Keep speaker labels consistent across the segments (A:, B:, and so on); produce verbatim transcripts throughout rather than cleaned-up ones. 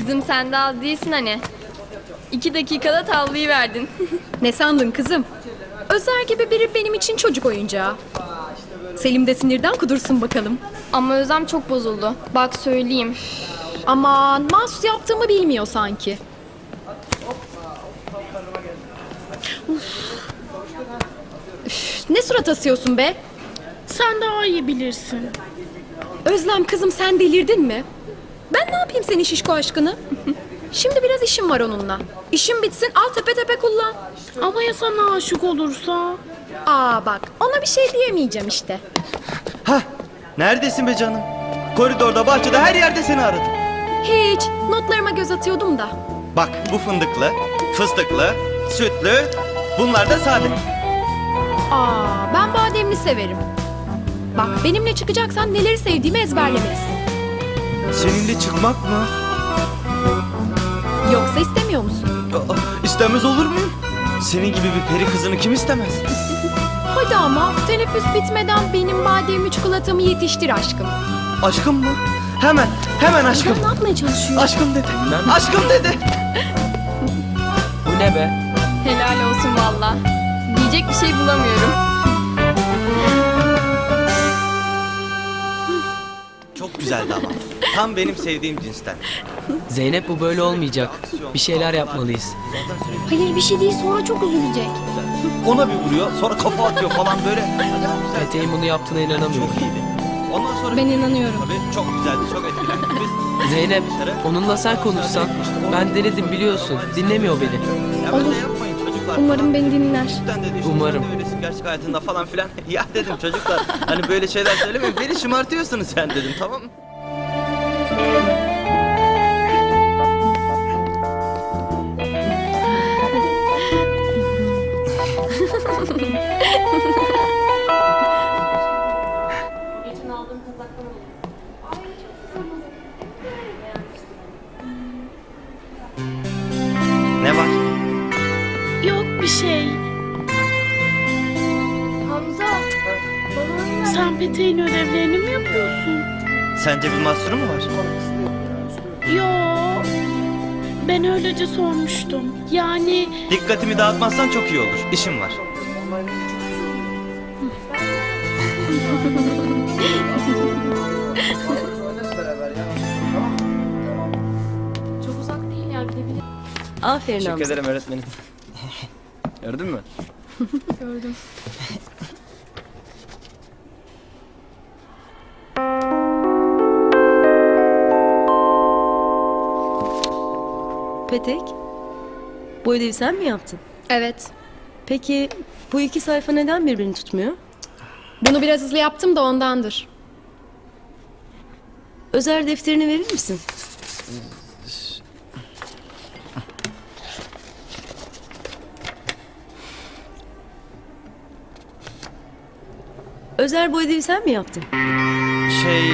A: Kızım sen de az değilsin hani. İki dakikada tavlayı verdin.
B: Ne sandın kızım? Özer gibi biri benim için çocuk oyuncağı. Selim de sinirden kudursun bakalım.
A: Ama Özlem çok bozuldu. Bak söyleyeyim.
B: Aman mahsus yaptığımı bilmiyor sanki. Uf. Üf, ne surat asıyorsun be?
C: Sen daha iyi bilirsin.
B: Özlem kızım sen delirdin mi? Ben ne yapayım senin şişko aşkını? Şimdi biraz işim var onunla. İşim bitsin al tepe tepe kullan.
C: Ama ya sana aşık olursa?
B: Aa bak ona bir şey diyemeyeceğim işte.
D: Hah, neredesin be canım? Koridorda, bahçede, her yerde seni aradım.
B: Hiç notlarıma göz atıyordum da.
D: Bak bu fındıklı, fıstıklı, sütlü, bunlar da sade.
B: Aa ben bademli severim. Bak benimle çıkacaksan neleri sevdiğimi ezberlemelisin.
D: Seninle çıkmak mı?
B: Yoksa istemiyor musun?
D: Aa, istemez olur muyum? Senin gibi bir peri kızını kim istemez?
B: Hadi ama teneffüs bitmeden benim bademli çikolatamı yetiştir aşkım.
D: Aşkım mı? Hemen, hemen aşkım.
B: Ne yapmaya çalışıyor?
D: Aşkım dedi. Aşkım dedi.
E: Bu ne be?
A: Helal olsun valla. Diyecek bir şey bulamıyorum.
D: Çok güzeldi ama. Tam benim sevdiğim cinsten.
E: Zeynep bu böyle olmayacak. Bir şeyler yapmalıyız.
A: Hayır bir şey değil sonra çok üzülecek.
D: Ona bir vuruyor, sonra kafa atıyor falan böyle. Acayip güzel.
E: Peteğin bunu yaptığına inanamıyorum.
D: Çok iyiydi. Ondan sonra...
A: Ben inanıyorum.
D: Tabii çok güzeldi, çok etkilendik biz.
E: Zeynep, onunla sen konuşsan. Ben denedim biliyorsun. Dinlemiyor beni.
D: Ya böyle yapmayın çocuklar.
A: Umarım beni dinler.
D: Cidden dedi işte,
E: Umarım.
D: sen de öylesin gerçek hayatında falan filan. Ya dedim çocuklar, hani böyle şeyler söylemeyin. Beni şımartıyorsunuz sen dedim, tamam mı? Ne var?
C: Yok bir şey.
A: Hamza. Bana
C: Sen Peteğin ödevlerini mi yapıyorsun?
D: Sence bir mahsuru mu var?
C: Yo. Ben öylece sormuştum. Yani
D: Dikkatimi dağıtmazsan çok iyi olur. İşim var.
A: çok uzak değil ya gidebilir.
B: Aferin
D: Teşekkür ederim öğretmenim. Gördün mü?
A: Gördüm.
F: Petek, bu ödevi sen mi yaptın?
B: Evet.
F: Peki bu iki sayfa neden birbirini tutmuyor?
B: Bunu biraz hızlı yaptım da ondandır.
F: Özer defterini verir misin? Özer bu ödevi sen mi yaptın?
D: Şey...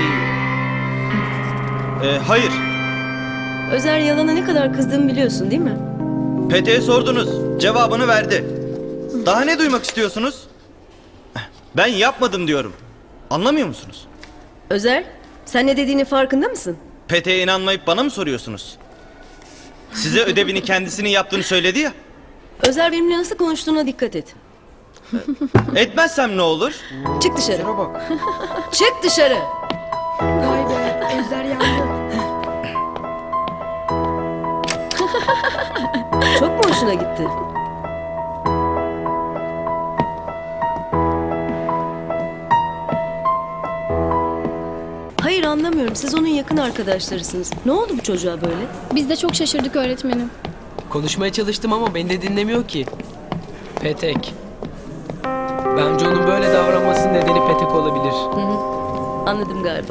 D: Ee, hayır.
F: Özer yalana ne kadar kızdığımı biliyorsun değil mi?
D: Pete'ye sordunuz. Cevabını verdi. Daha ne duymak istiyorsunuz? Ben yapmadım diyorum. Anlamıyor musunuz?
F: Özer, sen ne dediğinin farkında mısın?
D: Pete'ye inanmayıp bana mı soruyorsunuz? Size ödevini kendisinin yaptığını söyledi ya.
F: Özer benimle nasıl konuştuğuna dikkat et.
D: Etmezsem ne olur?
F: Çık dışarı. Çık dışarı.
B: Vay be Özer yandı.
F: Çok mu hoşuna gitti? Hayır anlamıyorum. Siz onun yakın arkadaşlarısınız. Ne oldu bu çocuğa böyle?
A: Biz de çok şaşırdık öğretmenim.
E: Konuşmaya çalıştım ama beni de dinlemiyor ki. Petek. Bence onun böyle davranmasının nedeni Petek olabilir.
F: Anladım galiba.